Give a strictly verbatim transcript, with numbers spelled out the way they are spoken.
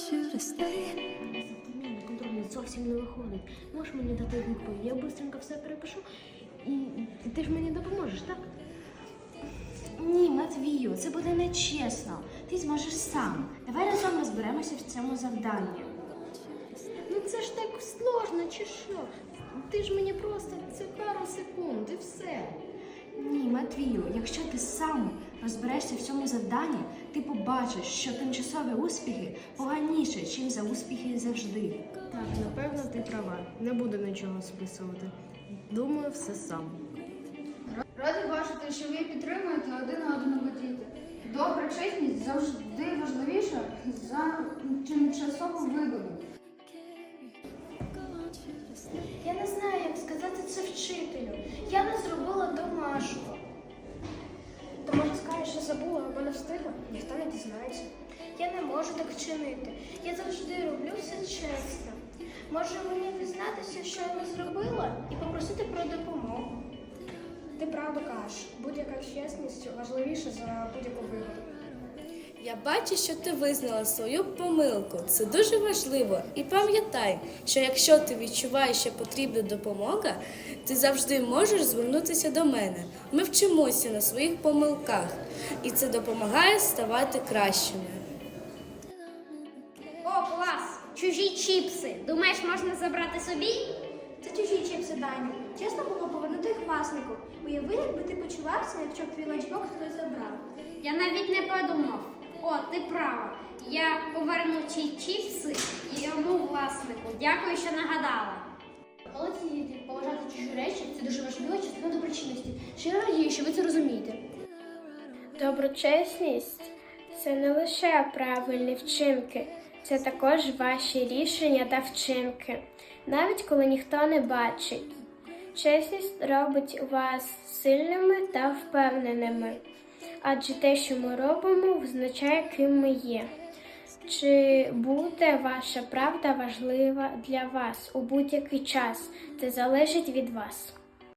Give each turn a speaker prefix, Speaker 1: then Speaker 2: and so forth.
Speaker 1: Современний контроль зовсім не виходить. Можеш мені дати відповідь? Я швидко все перепишу і ти ж мені допоможеш, так?
Speaker 2: Ні, Матвію, це буде нечесно. Ти зможеш сам. Давай разом розберемося в цьому завданні.
Speaker 1: Ну це ж так сложно, чи що? Ти ж мені просто це пару секунд і все.
Speaker 2: Ні, Матвію, якщо ти сам розберешся в цьому завданні, ти побачиш, що тимчасові успіхи поганіше, ніж за успіхи завжди.
Speaker 1: Так, напевно, ти права. Не буду нічого списувати. Думаю, все сам.
Speaker 3: Раді бачити, що ви підтримуєте один одного діти. Добра чесність завжди важливіша за тимчасову вигоду.
Speaker 4: Я не знаю, як сказати це вчителю. Я не зробила домашку. То може скажеш, що забула або не встигла? Ніхто не дізнається. Я не можу так вчинити. Я завжди роблю все чесно. Може мені дізнатися, що я не зробила, і попросити про допомогу. Ти правду кажеш. Будь-яка чесність важливіша за будь-яку вигоду.
Speaker 5: Я бачу, що ти визнала свою помилку. Це дуже важливо. І пам'ятай, що якщо ти відчуваєш, що потрібна допомога, ти завжди можеш звернутися до мене. Ми вчимося на своїх помилках, і це допомагає ставати кращими.
Speaker 4: О, клас! Чужі чіпси. Думаєш, можна забрати собі? Це чужі чіпси, Даню. Чесно було повернути їх власнику. Уяви, якби ти почувався, якщо б твій ланчбокс хтось забрав. Я навіть не подумав. О, ти права. Я поверну ці чіпси йому власнику. Дякую, що нагадала. Молодці діти, поважати чужі речі – це дуже важлива частина доброчинності. Щиро радію, що ви це розумієте.
Speaker 6: Доброчесність – це не лише правильні вчинки, це також ваші рішення та вчинки, навіть коли ніхто не бачить. Чесність робить вас сильними та впевненими, адже те, що ми робимо, визначає, ким ми є. Чи буде ваша правда важлива для вас у будь-який час? Це залежить від вас.